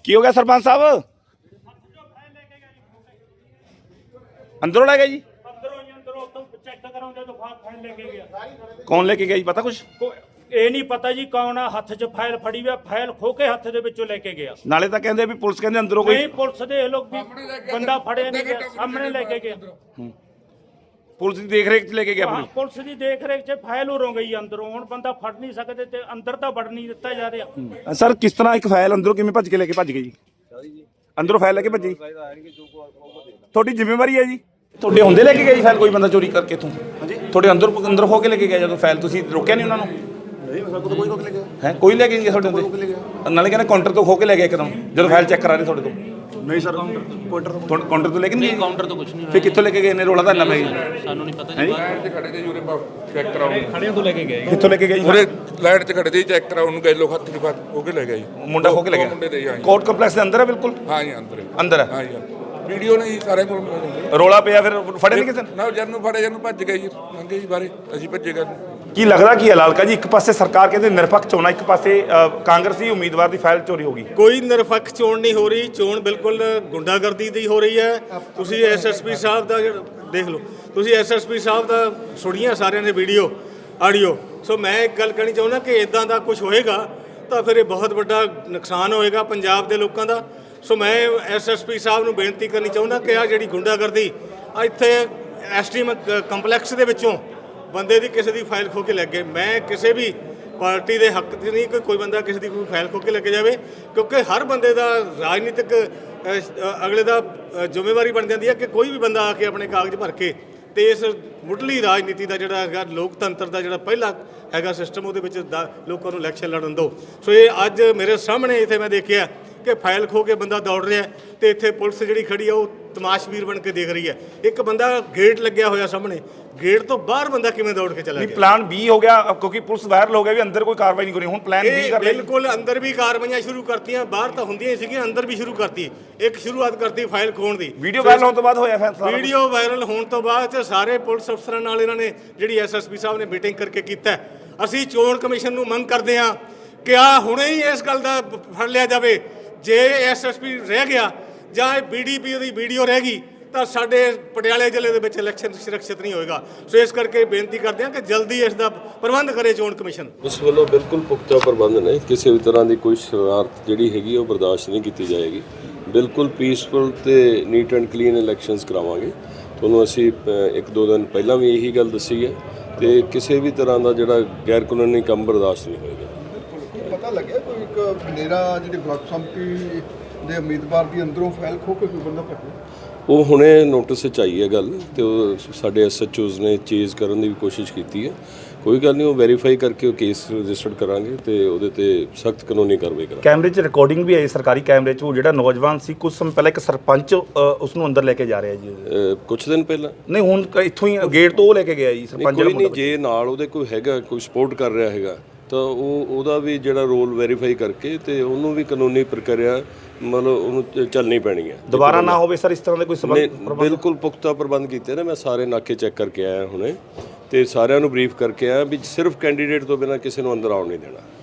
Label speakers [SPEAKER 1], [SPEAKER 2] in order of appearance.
[SPEAKER 1] ਕੀ ਹੋ ਗਿਆ ਸਰਪੰਚ ਸਾਹਿਬ? ਅੰਦਰੋਂ ਲੈ ਗਿਆ ਜੀ? ਕੌਣ ਲੈ ਕੇ ਗਿਆ ਜੀ, ਪਤਾ ਕੁਛ?
[SPEAKER 2] ਇਹ ਨਹੀਂ ਪਤਾ ਜੀ ਕੌਣ ਆ। ਹੱਥ 'ਚ ਫਾਈਲ ਫੜੀ ਹੋਈ, ਫਾਈਲ ਖੋ ਕੇ ਹੱਥ ਦੇ ਵਿੱਚੋਂ ਲੈ ਕੇ ਗਿਆ।
[SPEAKER 1] ਨਾਲੇ ਤਾਂ ਕਹਿੰਦੇ ਵੀ ਪੁਲਿਸ ਕਹਿੰਦੇ ਅੰਦਰੋਂ ਕੋਈ
[SPEAKER 2] ਨਹੀਂ, ਪੁਲਿਸ ਦੇ ਲੋਕ ਵੀ ਬੰਦਾ ਫੜਿਆ ਨਹੀਂ ਗਿਆ, ਸਾਹਮਣੇ ਲੈ ਕੇ ਗਿਆ।
[SPEAKER 1] ਪੁਲਿਸ ਦੀ ਦੇਖ ਰੇਖ 'ਚ ਲੈ ਕੇ ਗਿਆ ਆਪਣੀ।
[SPEAKER 2] ਪੁਲਿਸ ਦੀ ਦੇਖ ਰੇਖ 'ਚ ਫਾਈਲ ਉਰੋਂ ਗਈ ਅੰਦਰੋਂ। ਹੁਣ ਬੰਦਾ ਫੜ ਨਹੀਂ ਸਕਦੇ ਤੇ ਅੰਦਰ ਤਾਂ ਵੜ ਨਹੀਂ ਦਿੱਤਾ ਜਾ ਰਿਹਾ।
[SPEAKER 1] ਸਰ ਕਿਸ ਤਰ੍ਹਾਂ ਇੱਕ ਫਾਈਲ ਅੰਦਰੋਂ ਕਿਵੇਂ ਭੱਜ ਕੇ ਲੈ ਕੇ ਭੱਜ ਗਏ ਜੀ? ਅੰਦਰੋਂ ਫਾਈਲ ਲੈ ਕੇ ਭੱਜੀ? ਤੁਹਾਡੀ ਜ਼ਿੰਮੇਵਾਰੀ ਹੈ ਜੀ? ਤੁਹਾਡੇ ਹੁੰਦੇ ਲੈ ਕੇ ਗਏ ਜੀ ਫਾਈਲ ਕੋਈ ਬੰਦਾ ਚੋਰੀ ਕਰਕੇ ਇੱਥੋਂ? ਹਾਂਜੀ, ਤੁਹਾਡੇ ਅੰਦਰ ਹੋ ਕੇ ਲੈ ਕੇ ਗਿਆ ਜਦੋਂ ਫਾਈਲ, ਤੁਸੀਂ ਰੋਕਿਆ ਨਹੀਂ ਉਹਨਾਂ ਨੂੰ?
[SPEAKER 3] ਨਹੀਂ, ਮੇਰੇ ਕੋਲ ਕੋਈ ਰੋਕ ਲੈ ਗਿਆ
[SPEAKER 1] ਹੈ, ਕੋਈ ਲੈ ਕੇ ਨਹੀਂ ਗਿਆ ਤੁਹਾਡੇ ਹੁੰਦੇ? ਨਾਲੇ ਕਹਿੰਦੇ ਕਾਊਂਟਰ ਤੋਂ ਖੋ ਕੇ ਲੈ ਗਿਆ ਇੱਕਦਮ ਜਦੋਂ ਫਾਈਲ ਚੈੱਕ ਕਰਾ ਰਹੇ ਤੁਹਾਡੇ ਤੋਂ?
[SPEAKER 3] ਨਹੀਂ ਸਰ,
[SPEAKER 1] ਕਾਊਂਟਰ ਤੋਂ ਲੈ ਕੇ ਨਹੀਂ?
[SPEAKER 4] ਕਾਊਂਟਰ ਤੋਂ ਕੁਝ ਨਹੀਂ
[SPEAKER 1] ਫਿਰ ਕਿੱਥੋਂ ਲੈ ਕੇ ਗਏ ਨੇ? ਰੋਲਾ ਤਾਂ ਇੰਨਾ ਪੈ
[SPEAKER 4] ਸਾਨੂੰ ਨਹੀਂ ਪਤਾ ਜੀ।
[SPEAKER 5] ਲਾਈਨ 'ਚ ਖੜੇ ਤੇ ਜੀ ਉਰੇ ਚੈੱਕ ਕਰਾਉਣ,
[SPEAKER 4] ਖੜਿਆਂ ਤੋਂ ਲੈ ਕੇ ਗਏ।
[SPEAKER 1] ਕਿੱਥੋਂ ਲੈ ਕੇ ਗਏ ਜੀ?
[SPEAKER 5] ਉਰੇ ਲਾਈਨ 'ਚ ਖੜੇ ਤੇ ਚੈੱਕ ਕਰਾਉਣ ਨੂੰ ਗਏ ਲੋਕ, ਹੱਥ ਨਹੀਂ ਹੋ ਕੇ ਲੈ ਗਿਆ ਜੀ।
[SPEAKER 1] ਮੁੰਡਾ ਹੋ ਕੇ ਲੈ
[SPEAKER 5] ਮੁੰਡੇ ਦੇ
[SPEAKER 1] ਗਿਆ? ਕੋਰਟ ਕੰਪਲੈਕਸ ਦੇ ਅੰਦਰ ਹੈ? ਬਿਲਕੁਲ
[SPEAKER 5] ਹਾਂ ਜੀ, ਅੰਦਰ
[SPEAKER 1] ਅੰਦਰ ਹੈ।
[SPEAKER 5] ਹਾਂ ਜੀ, ਵੀਡੀਓ ਨੇ ਜੀ ਸਾਰੇ ਕੋਲ।
[SPEAKER 1] ਰੋਲਾ ਪਿਆ ਫਿਰ ਫੜੇ ਨਹੀਂ ਕਿਸੇ ਨੇ?
[SPEAKER 5] ਨਾ ਜਦ ਨੂੰ ਫੜੇ, ਜਦ ਨੂੰ ਭੱਜ ਗਏ ਜੀ, ਲੰਘੇ ਜੀ ਬਾਰੇ, ਅਸੀਂ ਭੱਜੇ ਗਏ।
[SPEAKER 1] ਕੀ ਲੱਗਦਾ ਕੀ ਹੈ ਲਾਲਕਾ ਜੀ, ਇੱਕ ਪਾਸੇ ਸਰਕਾਰ ਕਹਿੰਦੇ ਨਿਰਪੱਖ ਚੋਣਾਂ, ਇੱਕ ਪਾਸੇ ਕਾਂਗਰਸੀ ਉਮੀਦਵਾਰ ਦੀ ਫਾਈਲ ਚੋਰੀ ਹੋ ਗਈ?
[SPEAKER 6] ਕੋਈ ਨਿਰਪੱਖ ਚੋਣ ਨਹੀਂ ਹੋ ਰਹੀ। ਚੋਣ ਬਿਲਕੁਲ ਗੁੰਡਾਗਰਦੀ ਦੀ ਹੋ ਰਹੀ ਹੈ। ਤੁਸੀਂ ਐਸਐਸਪੀ ਸਾਹਿਬ ਦਾ ਦੇਖ ਲਓ, ਤੁਸੀਂ ਐਸਐਸਪੀ ਸਾਹਿਬ ਦਾ ਸੁਣੀਆਂ ਸਾਰਿਆਂ ਨੇ ਵੀਡੀਓ ਆਡੀਓ। ਸੋ ਮੈਂ ਇੱਕ ਗੱਲ ਕਹਿਣੀ ਚਾਹੁੰਦਾ ਕਿ ਇਦਾਂ ਦਾ ਕੁਝ ਹੋਏਗਾ ਤਾਂ ਫਿਰ ਇਹ ਬਹੁਤ ਵੱਡਾ ਨੁਕਸਾਨ ਹੋਏਗਾ ਪੰਜਾਬ ਦੇ ਲੋਕਾਂ ਦਾ। ਸੋ ਮੈਂ ਐਸਐਸਪੀ ਸਾਹਿਬ ਨੂੰ ਬੇਨਤੀ ਕਰਨੀ ਚਾਹੁੰਦਾ ਕਿ ਆ ਜਿਹੜੀ ਗੁੰਡਾਗਰਦੀ ਇੱਥੇ ਐਸਟੀਐਮ ਕੰਪਲੈਕਸ ਦੇ ਵਿੱਚੋਂ ਬੰਦੇ ਦੀ ਕਿਸੇ ਦੀ ਫਾਈਲ ਖੋ ਕੇ ਲੈ ਗਏ। ਮੈਂ ਕਿਸੇ ਵੀ ਪਾਰਟੀ ਦੇ ਹੱਕ 'ਚ ਨਹੀਂ ਕਿ ਕੋਈ ਬੰਦਾ ਕਿਸੇ ਦੀ ਕੋਈ ਫਾਈਲ ਖੋ ਕੇ ਲੈ ਕੇ ਜਾਵੇ, ਕਿਉਂਕਿ ਹਰ ਬੰਦੇ ਦਾ ਰਾਜਨੀਤਿਕ ਅਗਲੇ ਦਾ ਜ਼ਿੰਮੇਵਾਰੀ ਬਣ ਜਾਂਦੀ ਹੈ ਕਿ ਕੋਈ ਵੀ ਬੰਦਾ ਆ ਕੇ ਆਪਣੇ ਕਾਗਜ਼ ਭਰ ਕੇ ਤੇ ਇਸ ਮੁੱਢਲੀ ਰਾਜਨੀਤੀ ਦਾ ਜਿਹੜਾ ਹੈਗਾ, ਲੋਕਤੰਤਰ ਦਾ ਜਿਹੜਾ ਪਹਿਲਾ ਹੈਗਾ ਸਿਸਟਮ, ਉਹਦੇ ਵਿੱਚ ਲੋਕਾਂ ਨੂੰ ਇਲੈਕਸ਼ਨ ਲੜਨ ਦਿਓ। ਸੋ ਇਹ ਅੱਜ ਮੇਰੇ ਸਾਹਮਣੇ ਇੱਥੇ ਮੈਂ ਦੇਖਿਆ ਕਿ ਫਾਈਲ ਖੋ ਕੇ ਬੰਦਾ ਦੌੜ ਰਿਹਾ ਤੇ ਇੱਥੇ ਪੁਲਿਸ ਜਿਹੜੀ ਖੜੀ ਆ ਉਹ ਤਮਾਸ਼ਬੀਰ ਬਣ ਕੇ ਦੇਖ ਰਹੀ ਹੈ। ਇੱਕ ਬੰਦਾ ਗੇਟ ਲੱਗਿਆ ਹੋਇਆ ਸਾਹਮਣੇ, ਗੇਟ ਤੋਂ ਬਾਹਰ ਬੰਦਾ ਕਿਵੇਂ ਦੌੜ ਕੇ ਚਲਾ ਗਿਆ?
[SPEAKER 1] ਪਲਾਨ B ਹੋ ਗਿਆ ਕਿਉਂਕਿ ਪੁਲਿਸ ਵਾਇਰਲ ਹੋ ਗਿਆ ਵੀ ਅੰਦਰ ਕੋਈ ਕਾਰਵਾਈ ਨਹੀਂ ਕਰੀ, ਹੁਣ ਪਲਾਨ B ਕਰ ਲਿਆ।
[SPEAKER 6] ਬਿਲਕੁਲ, ਅੰਦਰ ਵੀ ਕਾਰਵਾਈਆਂ ਸ਼ੁਰੂ ਕਰਤੀਆਂ, ਬਾਹਰ ਤਾਂ ਹੁੰਦੀਆਂ ਹੀ ਸੀਗੀਆਂ, ਅੰਦਰ ਵੀ ਸ਼ੁਰੂ ਕਰਤੀ। ਇੱਕ ਸ਼ੁਰੂਆਤ ਕਰਤੀ ਫਾਈਲ ਖੋਣ ਦੀ।
[SPEAKER 1] ਵੀਡੀਓ ਵਾਇਰਲ ਹੋਣ ਤੋਂ ਬਾਅਦ ਹੋਇਆ ਫੈਸਲਾ?
[SPEAKER 6] ਵੀਡੀਓ ਵਾਇਰਲ ਹੋਣ ਤੋਂ ਬਾਅਦ ਸਾਰੇ ਪੁਲਿਸ ਅਫਸਰਾਂ ਨਾਲ ਇਹਨਾਂ ਨੇ ਜਿਹੜੀ ਐਸਐਸਪੀ ਸਾਹਿਬ ਨੇ ਮੀਟਿੰਗ ਕਰਕੇ ਕੀਤਾ। ਅਸੀਂ ਚੋਣ ਕਮਿਸ਼ਨ ਨੂੰ ਮੰਗ ਕਰਦੇ ਹਾਂ ਕਿ ਆ ਹੁਣੇ ਹੀ ਇਸ ਗੱਲ ਦਾ ਫੜ ਲਿਆ ਜਾਵੇ। ਜੇ ਐਸਐਸਪੀ ਰਹਿ ਗਿਆ ਜਾਂ ਇਹ ਬੀਡੀਪੀ ਦੀ ਵੀਡੀਓ ਰਹਿ ਗਈ ਤਾਂ ਸਾਡੇ ਪਟਿਆਲੇ ਜ਼ਿਲ੍ਹੇ ਦੇ ਵਿੱਚ ਇਲੈਕਸ਼ਨ ਸੁਰੱਖਿਅਤ ਨਹੀਂ ਹੋਏਗਾ। ਸੋ ਇਸ ਕਰਕੇ ਬੇਨਤੀ ਕਰਦੇ ਹਾਂ ਕਿ ਜਲਦੀ ਇਸ ਦਾ ਪ੍ਰਬੰਧ ਕਰੇ ਚੋਣ ਕਮਿਸ਼ਨ।
[SPEAKER 7] ਇਸ ਵੱਲੋਂ ਬਿਲਕੁਲ ਪੁਖਤਾ ਪ੍ਰਬੰਧ ਨੇ, ਕਿਸੇ ਵੀ ਤਰ੍ਹਾਂ ਦੀ ਕੋਈ ਸ਼ਰਾਰਤ ਜਿਹੜੀ ਹੈਗੀ ਉਹ ਬਰਦਾਸ਼ਤ ਨਹੀਂ ਕੀਤੀ ਜਾਏਗੀ। ਬਿਲਕੁਲ ਪੀਸਫੁਲ ਤੇ ਨੀਟ ਐਂਡ ਕਲੀਨ ਇਲੈਕਸ਼ਨਸ ਕਰਾਵਾਂਗੇ। ਤੁਹਾਨੂੰ ਅਸੀਂ 1-2 ਦਿਨ ਪਹਿਲਾਂ ਵੀ ਇਹੀ ਗੱਲ ਦੱਸੀ ਹੈ ਤੇ ਕਿਸੇ ਵੀ ਤਰ੍ਹਾਂ ਦਾ ਜਿਹੜਾ ਗੈਰ ਕਾਨੂੰਨੀ ਕੰਮ ਬਰਦਾਸ਼ਤ ਨਹੀਂ ਹੋਏਗਾ।
[SPEAKER 3] ਪਤਾ ਲੱਗਿਆ ਕੋਈ ਇੱਕ ਬਨੇਰਾ ਜਿਹੜੀ ਬਲਾਕ ਸੰਮਤੀ ਦੇ ਉਮੀਦਵਾਰ ਦੀ ਅੰਦਰੋਂ ਫਾਈਲ ਖੋ ਕੇ ਕੋਈ ਬੰਦਾ ਭੱਜਿਆ?
[SPEAKER 7] ਉਹ ਹੁਣੇ ਨੋਟਿਸ 'ਚ ਆਈ ਹੈ ਗੱਲ ਤੇ ਉਹ ਸਾਡੇ ਐਸਐਚਓਜ਼ ਨੇ ਚੇਜ਼ ਕਰਨ ਦੀ ਵੀ ਕੋਸ਼ਿਸ਼ ਕੀਤੀ ਹੈ। ਕੋਈ ਗੱਲ ਨਹੀਂ, ਉਹ ਵੈਰੀਫਾਈ ਕਰਕੇ ਉਹ ਕੇਸ ਰਜਿਸਟਰਡ ਕਰਾਂਗੇ ਤੇ ਉਹਦੇ ਤੇ ਸਖਤ ਕਾਨੂੰਨੀ ਕਾਰਵਾਈ ਕਰਾਂਗੇ।
[SPEAKER 1] ਕੈਮਰੇ 'ਚ ਰਿਕਾਰਡਿੰਗ ਵੀ ਆਈ ਸਰਕਾਰੀ ਕੈਮਰੇ 'ਚ, ਉਹ ਜਿਹੜਾ ਨੌਜਵਾਨ ਸੀ ਕੁਝ ਸਮੇਂ ਪਹਿਲਾਂ ਇੱਕ ਸਰਪੰਚ ਉਸ ਨੂੰ ਅੰਦਰ ਲੈ ਕੇ ਜਾ ਰਿਹਾ ਜੀ।
[SPEAKER 7] ਕੁਝ ਦਿਨ ਪਹਿਲਾਂ
[SPEAKER 1] ਨਹੀਂ, ਹੁਣ ਇੱਥੋਂ ਹੀ ਗੇਟ ਤੋਂ ਉਹ ਲੈ ਕੇ ਗਿਆ ਜੀ ਸਰਪੰਚ।
[SPEAKER 7] ਕੋਈ ਨਹੀਂ, ਜੇ ਨਾਲ ਉਹਦੇ ਕੋਈ ਹੈਗਾ, ਕੋਈ ਸਪੋਰਟ ਕਰ ਰਿਹਾ ਹੈਗਾ ਤਾਂ ਉਹਦਾ ਵੀ ਜਿਹੜਾ ਰੋਲ ਵੈਰੀਫਾਈ ਕਰਕੇ ਤੇ ਉਹਨੂੰ ਵੀ ਕਾਨੂੰਨੀ ਪ੍ਰਕਿਰਿਆ ਮਤਲਬ ਉਹਨੂੰ ਚੱਲਣੀ ਪੈਣੀ ਹੈ।
[SPEAKER 1] ਦੁਬਾਰਾ ਨਾ ਹੋਵੇ ਸਰ ਇਸ ਤਰ੍ਹਾਂ ਦੇ ਕੋਈ
[SPEAKER 7] ਸਬੰਧ? ਬਿਲਕੁਲ ਪੁਖਤਾ ਪ੍ਰਬੰਧ ਕੀਤੇ ਨੇ। ਮੈਂ ਸਾਰੇ ਨਾਕੇ ਚੈੱਕ ਕਰਕੇ ਆਇਆ ਹੁਣੇ ਤੇ ਸਾਰਿਆਂ ਨੂੰ ਬਰੀਫ ਕਰਕੇ ਆਇਆ ਵੀ ਸਿਰਫ ਕੈਂਡੀਡੇਟ ਤੋਂ ਬਿਨਾਂ ਕਿਸੇ ਨੂੰ ਅੰਦਰ ਆਉਣ ਨਹੀਂ ਦੇਣਾ।